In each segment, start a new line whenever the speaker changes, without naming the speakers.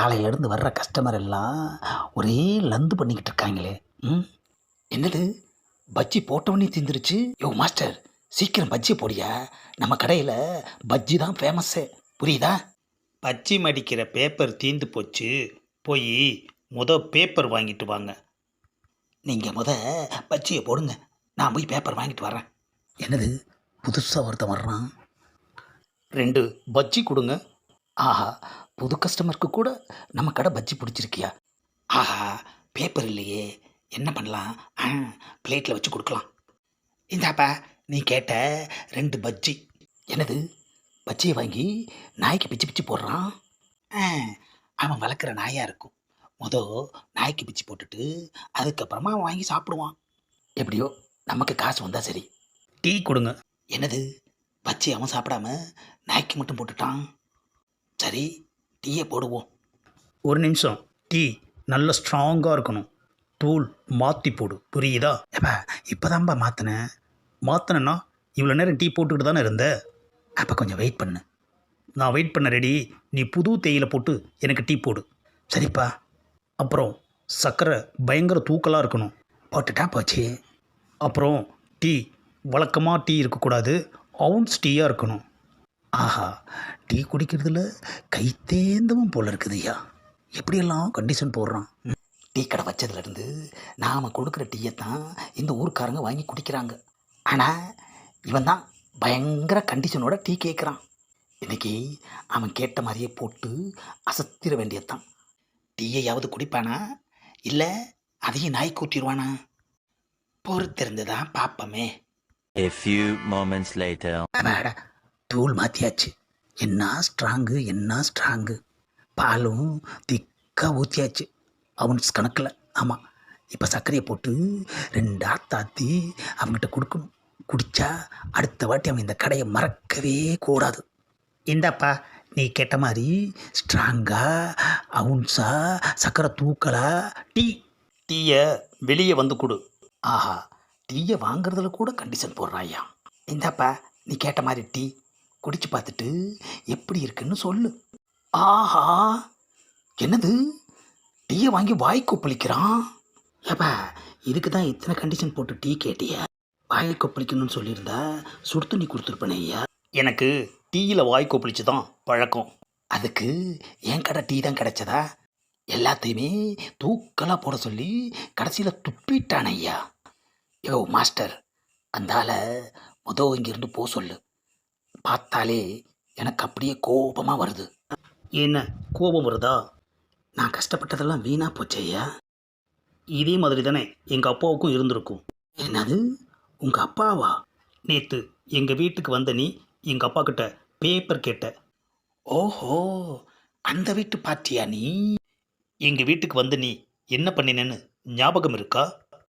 காலையிலேருந்து வர்ற கஸ்டமர் எல்லாம் ஒரே லந்து பண்ணிக்கிட்டு இருக்காங்களே. ம் என்னது பஜ்ஜி போட்டவனே தீந்துருச்சு. யோ மாஸ்டர், சீக்கிரம் பஜ்ஜி போடியா. நம்ம கடையில் பஜ்ஜி தான் ஃபேமஸ்ஸே, புரியுதா? பஜ்ஜி மடிக்கிற பேப்பர் தீந்து போச்சு, போய் பேப்பர் வாங்கிட்டு வாங்க. நீங்கள் பஜ்ஜியை போடுங்க, நான் போய் பேப்பர் வாங்கிட்டு வரேன். என்னது புதுசாக ஒருத்தன் வர்றான். 2 பஜ்ஜி கொடுங்க. ஆஹா, புது கஸ்டமருக்கு கூட நம்ம கடை பஜ்ஜி பிடிச்சிருக்கியா? ஆஹா, பேப்பர் இல்லையே, என்ன பண்ணலாம்? பிளேட்டில் வச்சு கொடுக்கலாம். இந்தாப்பா, நீ கேட்ட 2 பஜ்ஜி. என்னது பஜ்ஜியை வாங்கி நாய்க்கு பிச்சு பிச்சு போடுறான். அவன் வளர்க்குற நாயாக இருக்கும். நாய்க்கு பிச்சு போட்டுட்டு அதுக்கப்புறமா அவன் வாங்கி சாப்பிடுவான். எப்படியோ நமக்கு காசு வந்தால் சரி. டீ கொடுங்க. என்னது பஜ்ஜி அவன் சாப்பிடாம நாய்க்கு மட்டும் போட்டுட்டான். சரி, டீயை போடுவோம். ஒரு நிமிஷம், டீ நல்ல ஸ்ட்ராங்காக இருக்கணும். தூள் மாற்றி போடு, புரியுதா? ஏப்பா இப்போதான்ப்பா மாற்றினேன்னா இவ்வளோ நேரம் டீ போட்டுக்கிட்டு தானே இருந்த. அப்போ கொஞ்சம் வெயிட் பண்ணு. நான் வெயிட் பண்ண ரெடி. நீ புது தேயிலை போட்டு எனக்கு டீ போடு. சரிப்பா. அப்புறம் சர்க்கரை பயங்கர தூக்கலாக இருக்கணும். போட்டுட்டா போச்சு. அப்புறம் டீ வழக்கமாக டீ இருக்கக்கூடாது, அவுன்ஸ் டீயாக இருக்கணும். ஆஹா, டீ குடிக்கிறதுல கைத்தேந்தவும் போல இருக்குதுய்யா. எப்படியெல்லாம் கண்டிஷன் போடுறான். டீ கடை வச்சதுலேருந்து நாம் கொடுக்குற டீயை தான் இந்த ஊருக்காரங்க வாங்கி குடிக்கிறாங்க. ஆனால் இவன் தான் பயங்கர கண்டிஷனோட டீ கேட்குறான். இன்றைக்கி அவன் கேட்ட மாதிரியே போட்டு அசத்திர வேண்டியதுதான். டீயையாவது குடிப்பானா, இல்லை அதையும் நாய் கூட்டிடுவானா? பொறுத்திருந்து தான் பார்ப்போமே.
A few moments later.
தூள் மாற்றியாச்சு. என்ன ஸ்ட்ராங்கு. பாலும் திக்காக ஊற்றியாச்சு, அவன்ஸ் கணக்கில். ஆமாம், இப்போ சர்க்கரையை போட்டு 2 ஆத்தாத்தி அவங்ககிட்ட கொடுக்கணும். குடித்தா அடுத்த வாட்டி அவன் இந்த கடையை மறக்கவே கூடாது. இந்தாப்பா, நீ கேட்ட மாதிரி ஸ்ட்ராங்கா அவுன்ஸா சக்கரை தூக்கலா டீயை வெளியே வந்து கொடு. ஆஹா, டீயை வாங்குறதுல கூட கண்டிஷன் போடுறாயா. இந்தாப்பா, நீ கேட்ட மாதிரி டீ குடிச்சு பார்த்துட்டு எப்படி இருக்குன்னு சொல்லு. ஆஹா, என்னது டீயை வாங்கி வாய் கொப்பளிக்கிறான். ஏப்பா, இதுக்கு தான் இத்தனை கண்டிஷன் போட்டு டீ கேட்டிய. வாய் கொப்பளிக்கணும்னு சொல்லியிருந்தா சுடு தண்ணி கொடுத்துருப்பேனே ஐயா. எனக்கு டீயில் வாய் கொப்பளிச்சு தான் பழக்கம். அதுக்கு என் கடை டீ தான் கிடைச்சதா? எல்லாத்தையுமே தூக்கலாக போட சொல்லி கடைசியில் துப்பிட்டான் ஐயா. யோ மாஸ்டர், அந்தால இங்கிருந்து போ சொல்லு. பார்த்தாலே எனக்கு அப்படியே கோபமாக வருது. என்ன கோபம் வருதா? நான் கஷ்டப்பட்டதெல்லாம் வீணாக போச்சு ஐயா. இதே மாதிரி தானே எங்கள் அப்பாவுக்கும் இருந்திருக்கும். என்னது, உங்கள் அப்பாவா? நேற்று எங்கள் வீட்டுக்கு வந்த நீ எங்கள் அப்பா கிட்ட பேப்பர் கேட்ட. ஓஹோ, அந்த வீட்டு பாட்டியா நீ? எங்கள் வீட்டுக்கு வந்து நீ என்ன பண்ணினேன்னு ஞாபகம் இருக்கா?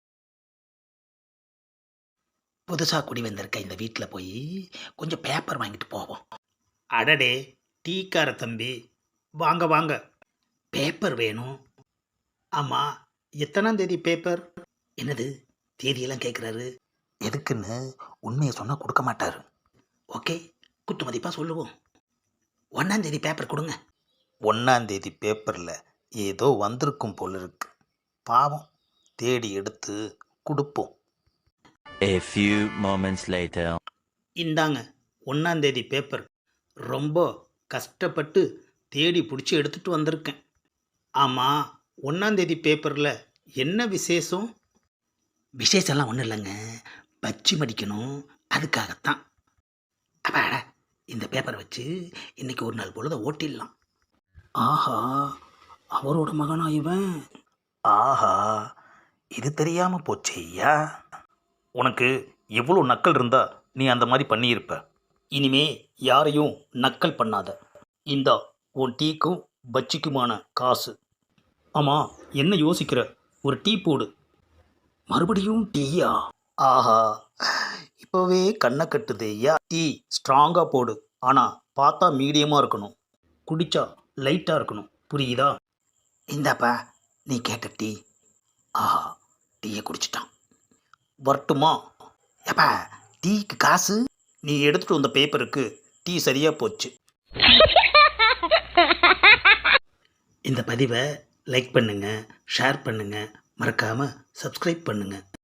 புதுசாக குடி வந்திருக்க இந்த வீட்டில் போய் கொஞ்சம் பேப்பர் வாங்கிட்டு போவோம். அடடே, டீக்கார தம்பி, வாங்க வாங்க, பேப்பர் வேணும். ஆமாம், எத்தனாம் தேதி பேப்பர்? என்னது தேதியெல்லாம் கேட்குறாரு? எதுக்குன்னு உண்மையை சொன்னால் கொடுக்க மாட்டார். ஓகே, குத்து மதிப்பாக சொல்லுவோம். 1ஆம் தேதி பேப்பர் கொடுங்க. 1ஆம் தேதி பேப்பரில் ஏதோ வந்திருக்கும் போல இருக்கு. பாவம், தேடி எடுத்து கொடுப்போம்.
A few moments later.
இந்தாங்க 1ஆம் தேதி பேப்பர். ரொம்ப கஷ்டப்பட்டு தேடி பிடிச்சி எடுத்துகிட்டு வந்திருக்கேன். ஆமாம், 1ஆம் தேதி பேப்பரில் என்ன விசேஷம்? விசேஷம்லாம் ஒன்றும் இல்லைங்க, பஜ்ஜி மடிக்கணும், அதுக்காகத்தான். அப்பாடா, இந்த பேப்பரை வச்சு இன்றைக்கி ஒரு நாள் பொழுத ஓட்டிடலாம். ஆஹா, அவரோட மகனா இவன்? ஆஹா, இது தெரியாமல் போச்சே ஐயா. உனக்கு எவ்வளோ நக்கல் இருந்தா நீ அந்த மாதிரி பண்ணியிருப்ப. இனிமே யாரையும் நக்கல் பண்ணாத. இந்தா உன் டீக்கும் பஜ்ஜிக்குமான காசு. ஆமாம், என்ன யோசிக்கிற? ஒரு டீ போடு. மறுபடியும் டீயா? ஆஹா, இப்போவே கண்ணை கட்டுது ஐயா. டீ ஸ்ட்ராங்காக போடு, ஆனால் பார்த்தா மீடியமாக இருக்கணும், குடித்தா லைட்டாக இருக்கணும், புரியுதா? இந்தாப்பா, நீ கேட்ட டீ. ஆஹா, டீயை குடிச்சிட்டான். வரட்டுமா? ஏப்பா, டீக்கு காசு? நீ எடுத்துகிட்டு வந்த பேப்பருக்கு டீ சரியாக போச்சு. இந்த பதிவை லைக் பண்ணுங்கள், ஷேர் பண்ணுங்கள், மறக்காமல் சப்ஸ்கிரைப் பண்ணுங்கள்.